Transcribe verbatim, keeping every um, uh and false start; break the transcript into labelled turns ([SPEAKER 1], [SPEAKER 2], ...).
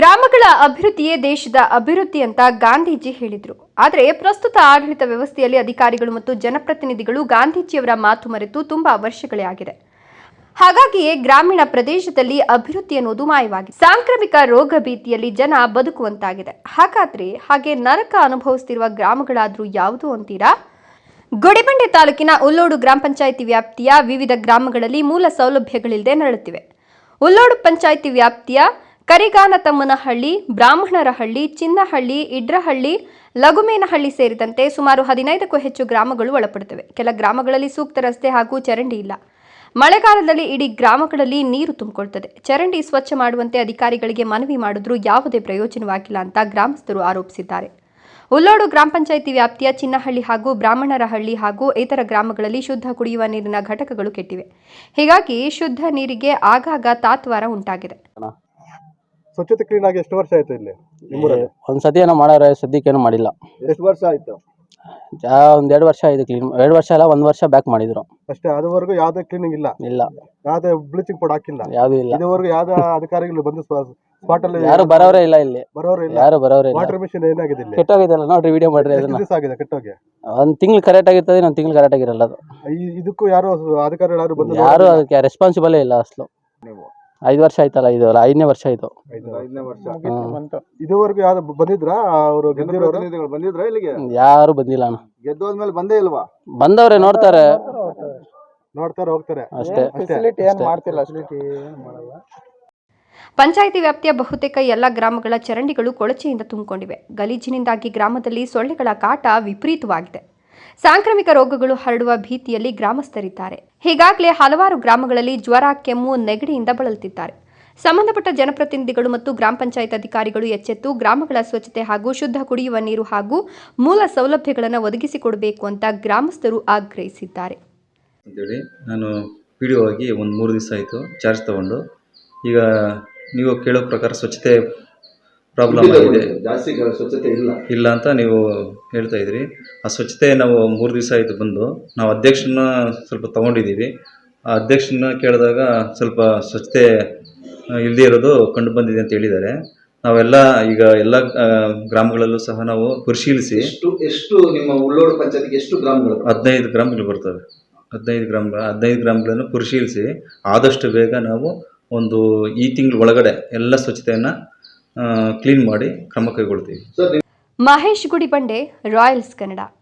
[SPEAKER 1] ಗ್ರಾಮಗಳ ಅಭಿವೃದ್ಧಿಯೇ ದೇಶದ ಅಭಿವೃದ್ಧಿ ಅಂತ ಗಾಂಧೀಜಿ ಹೇಳಿದರು. ಆದರೆ ಪ್ರಸ್ತುತ ಆಡಳಿತ ವ್ಯವಸ್ಥೆಯಲ್ಲಿ ಅಧಿಕಾರಿಗಳು ಮತ್ತು ಜನಪ್ರತಿನಿಧಿಗಳು ಗಾಂಧೀಜಿಯವರ ಮಾತು ಮರೆತು ತುಂಬಾ ವರ್ಷಗಳೇ ಆಗಿದೆ. ಹಾಗಾಗಿಯೇ ಗ್ರಾಮೀಣ ಪ್ರದೇಶದಲ್ಲಿ ಅಭಿವೃದ್ಧಿ ಅನ್ನೋದು ಮಾಯವಾಗಿದೆ. ಸಾಂಕ್ರಾಮಿಕ ರೋಗ ಭೀತಿಯಲ್ಲಿ ಜನ ಬದುಕುವಂತಾಗಿದೆ. ಹಾಗಾದ್ರೆ ಹಾಗೆ ನರಕ ಅನುಭವಿಸುತ್ತಿರುವ ಗ್ರಾಮಗಳಾದ್ರೂ ಯಾವುದು ಅಂತೀರಾ? ಗುಡಿಬಂಡೆ ತಾಲೂಕಿನ ಉಲ್ಲೋಡು ಗ್ರಾಮ ಪಂಚಾಯಿತಿ ವ್ಯಾಪ್ತಿಯ ವಿವಿಧ ಗ್ರಾಮಗಳಲ್ಲಿ ಮೂಲ ಸೌಲಭ್ಯಗಳಿಲ್ಲದೆ ನರಳುತ್ತಿವೆ. ಉಲ್ಲೋಡು ಪಂಚಾಯಿತಿ ವ್ಯಾಪ್ತಿಯ ಕರಿಗಾನತಮ್ಮನಹಳ್ಳಿ, ಬ್ರಾಹ್ಮಣರಹಳ್ಳಿ, ಚಿನ್ನಹಳ್ಳಿ, ಇಡ್ರಹಳ್ಳಿ, ಲಗುಮೇನಹಳ್ಳಿ ಸೇರಿದಂತೆ ಸುಮಾರು ಹದಿನೈದಕ್ಕೂ ಹೆಚ್ಚು ಗ್ರಾಮಗಳು ಒಳಪಡುತ್ತವೆ. ಕೆಲ ಗ್ರಾಮಗಳಲ್ಲಿ ಸೂಕ್ತ ರಸ್ತೆ ಹಾಗೂ ಚರಂಡಿ ಇಲ್ಲ. ಮಳೆಗಾಲದಲ್ಲಿ ಇಡೀ ಗ್ರಾಮಗಳಲ್ಲಿ ನೀರು ತುಂಬಿಕೊಳ್ಳುತ್ತದೆ. ಚರಂಡಿ ಸ್ವಚ್ಛ ಮಾಡುವಂತೆ ಅಧಿಕಾರಿಗಳಿಗೆ ಮನವಿ ಮಾಡಿದ್ರೂ ಯಾವುದೇ ಪ್ರಯೋಜನವಾಗಿಲ್ಲ ಅಂತ ಗ್ರಾಮಸ್ಥರು ಆರೋಪಿಸಿದ್ದಾರೆ. ಉಲ್ಲೋಡು ಗ್ರಾಮ ಪಂಚಾಯಿತಿ ವ್ಯಾಪ್ತಿಯ ಚಿನ್ನಹಳ್ಳಿ ಹಾಗೂ ಬ್ರಾಹ್ಮಣರಹಳ್ಳಿ ಹಾಗೂ ಇತರ ಗ್ರಾಮಗಳಲ್ಲಿ ಶುದ್ಧ ಕುಡಿಯುವ ನೀರಿನ ಘಟಕಗಳು ಕೆಟ್ಟಿವೆ. ಹೀಗಾಗಿ ಶುದ್ಧ ನೀರಿಗೆ ಆಗಾಗ ತಾತ್ವಾರ ಉಂಟಾಗಿದೆ.
[SPEAKER 2] ಸ್ವಚ್ಛತೆ ಕ್ಲೀನ್ ಆಗಿ ಎಷ್ಟು ವರ್ಷ ಆಯ್ತು ಇಲ್ಲಿ?
[SPEAKER 3] ಒಂದ್ ಸತಿ ಏನೋ ಮಾಡಾರೆ, ಸದ್ಯಕ್ಕೇನು ಮಾಡಿಲ್ಲ.
[SPEAKER 2] ಎಷ್ಟು ವರ್ಷ ಆಯ್ತು?
[SPEAKER 3] ಒಂದ್ ಎರಡು ವರ್ಷ ಆಯ್ತು ಕ್ಲೀನ್. ಎರಡು ವರ್ಷ ಅಲ್ಲ, ಒಂದ್ ವರ್ಷ ಬ್ಯಾಕ್ ಮಾಡಿದ್ರು
[SPEAKER 2] ಅಷ್ಟೇ. ಅದುವರೆಗೂ ಯಾವ್ದೇ ಕ್ಲೀನಿಂಗ್ ಇಲ್ಲ?
[SPEAKER 3] ಇಲ್ಲ.
[SPEAKER 2] ಯಾವ್ದೇ ಬ್ಲೀಚಿಂಗ್ ಪೌಡರ್ ಹಾಕಿಲ್ಲ?
[SPEAKER 3] ಯಾವ್ದು ಇಲ್ಲ.
[SPEAKER 2] ಇದುವರೆಗೂ ಯಾವ್ದೇ ಅಧಿಕಾರಿಗಳು ಬಂದು ಸ್ಪಾಟ್ ಅಲ್ಲಿ
[SPEAKER 3] ಯಾರು ಬರೋರೇ ಇಲ್ಲ ಇಲ್ಲಿ.
[SPEAKER 2] ಬರೋರೇ ಇಲ್ಲ.
[SPEAKER 3] ಯಾರು ಬರೋರೇ ಇಲ್ಲ.
[SPEAKER 2] ವಾಟರ್ ಮಿಷನ್ ಏನಾಗಿದೆ ಇಲ್ಲಿ?
[SPEAKER 3] ಕೆಟ್ಟೋಗಿದೆಲ್ಲ ನೋಡ್ರಿ, ವಿಡಿಯೋ ಮಾಡ್ರಿ. ಅದನ್ನ
[SPEAKER 2] ಆಗಿದೆ ಕೆಟ್ಟೋಗಿ.
[SPEAKER 3] ಒಂದ್ ತಿಂಗಳು ಕರೆಕ್ಟ್ ಆಗಿರ್ತದೆ, ಒಂದ್ ತಿಂಗಳು ಕರೆಕ್ಟ್ ಆಗಿರಲ್ಲ. ಅದು
[SPEAKER 2] ಇದಕ್ಕೂ ಯಾರು ಅಧಿಕಾರಿಗಳು ಯಾರು ಬಂದು
[SPEAKER 3] ಯಾರು ಅದಕ್ಕೆ ರೆಸ್ಪಾನ್ಸಿಬಲ್ ಇಲ್ಲ ಅಸಲು. ಐದು ವರ್ಷ ಆಯ್ತಲ್ಲ, ಇದು ಐದನೇ ವರ್ಷ ಆಯ್ತು.
[SPEAKER 2] ಐದನೇ ವರ್ಷ. ಇದುವರೆಗೂ ಯಾರು ಬಂದಿದ್ರಾ? ಅವರು ಗೆದ್ದಿರೋರು ಬಂದಿದ್ರಾ ಇಲ್ಲಿಗೆ?
[SPEAKER 3] ಯಾರು ಬಂದಿಲ್ಲ ಅಣ್ಣ.
[SPEAKER 2] ಗೆದ್ದೋದ್ಮೇಲೆ ಬಂದೇ ಇಲ್ವಾ?
[SPEAKER 3] ಬಂದವ್ರೆ, ನೋಡ್ತಾರೆ
[SPEAKER 2] ನೋಡ್ತಾರೆ ಹೋಗ್ತಾರೆ
[SPEAKER 3] ಅಷ್ಟೇ.
[SPEAKER 1] ಪಂಚಾಯಿತಿ ವ್ಯಾಪ್ತಿಯ ಬಹುತೇಕ ಎಲ್ಲ ಗ್ರಾಮಗಳ ಚರಂಡಿಗಳು ಕೊಳಚೆಯಿಂದ ತುಂಬಿಕೊಂಡಿವೆ. ಗಲೀಜಿನಿಂದಾಗಿ ಗ್ರಾಮದಲ್ಲಿ ಸೊಳ್ಳೆಗಳ ಕಾಟ ವಿಪರೀತವಾಗಿದೆ. ಸಾಂಕ್ರಾಮಿಕ ರೋಗಗಳು ಹರಡುವ ಭೀತಿಯಲ್ಲಿ ಗ್ರಾಮಸ್ಥರಿದ್ದಾರೆ. ಹೀಗಾಗಲೇ ಹಲವಾರು ಗ್ರಾಮಗಳಲ್ಲಿ ಜ್ವರ, ಕೆಮ್ಮು, ನೆಗಡಿಯಿಂದ ಬಳಲುತ್ತಿದ್ದಾರೆ. ಸಂಬಂಧಪಟ್ಟ ಜನಪ್ರತಿನಿಧಿಗಳು ಮತ್ತು ಗ್ರಾಮ ಪಂಚಾಯತ್ ಅಧಿಕಾರಿಗಳು ಎಚ್ಚೆತ್ತು ಗ್ರಾಮಗಳ ಸ್ವಚ್ಛತೆ ಹಾಗೂ ಶುದ್ಧ ಕುಡಿಯುವ ನೀರು ಹಾಗೂ ಮೂಲ ಸೌಲಭ್ಯಗಳನ್ನು ಒದಗಿಸಿಕೊಡಬೇಕು ಅಂತ ಗ್ರಾಮಸ್ಥರು ಆಗ್ರಹಿಸಿದ್ದಾರೆ.
[SPEAKER 4] ಅಂತೇಳಿ ನಾನು ಪಿ ಡಿ ಒ ಆಗಿ ಒಂದು ಮೂರು ದಿವಸ ಆಯಿತು ಚಾರ್ಜ್ ತಗೊಂಡು. ಈಗ ನೀವು ಕೇಳೋ ಪ್ರಕಾರ ಸ್ವಚ್ಛತೆ ಪ್ರಾಬ್ಲಮ್ ಆಗಿದೆ,
[SPEAKER 2] ಜಾಸ್ತಿ ಸ್ವಚ್ಛತೆ ಇಲ್ಲ
[SPEAKER 4] ಇಲ್ಲ ಅಂತ ನೀವು ಹೇಳ್ತಾ ಇದ್ರಿ. ಆ ಸ್ವಚ್ಛತೆ ನಾವು ಮೂರು ದಿವಸ ಆಯಿತು ಬಂದು, ನಾವು ಅಧ್ಯಕ್ಷನ ಸ್ವಲ್ಪ ತೊಗೊಂಡಿದ್ದೀವಿ. ಆ ಅಧ್ಯಕ್ಷನ ಕೇಳಿದಾಗ ಸ್ವಲ್ಪ ಸ್ವಚ್ಛತೆ ಇಲ್ಲದೇ ಇರೋದು ಕಂಡು ಬಂದಿದೆ ಅಂತ ಹೇಳಿದ್ದಾರೆ. ನಾವೆಲ್ಲ ಈಗ ಎಲ್ಲ ಗ್ರಾಮಗಳಲ್ಲೂ ಸಹ ನಾವು ಪರಿಶೀಲಿಸಿ
[SPEAKER 5] ಎಷ್ಟು ಎಷ್ಟು ನಿಮ್ಮ ಉಲ್ಲೋಡು ಪಂಚಾಯತ್ಗೆ ಎಷ್ಟು ಗ್ರಾಮಗಳು?
[SPEAKER 4] ಹದಿನೈದು ಗ್ರಾಮಗಳು ಬರ್ತವೆ. ಹದಿನೈದು ಗ್ರಾಮಗಳ ಹದಿನೈದು ಗ್ರಾಮಗಳನ್ನು ಪರಿಶೀಲಿಸಿ ಆದಷ್ಟು ಬೇಗ ನಾವು ಒಂದು ಈ ತಿಂಗಳ ಒಳಗಡೆ ಎಲ್ಲ ಸ್ವಚ್ಛತೆಯನ್ನು ಕ್ಲೀನ್ ಮಾಡಿ ಕ್ರಮ ಕೈಗೊಳ್ತೀವಿ.
[SPEAKER 1] ಮಹೇಶ್ ಗುಡಿಬಂಡೆ, ರಾಯಲ್ಸ್ ಕನ್ನಡ.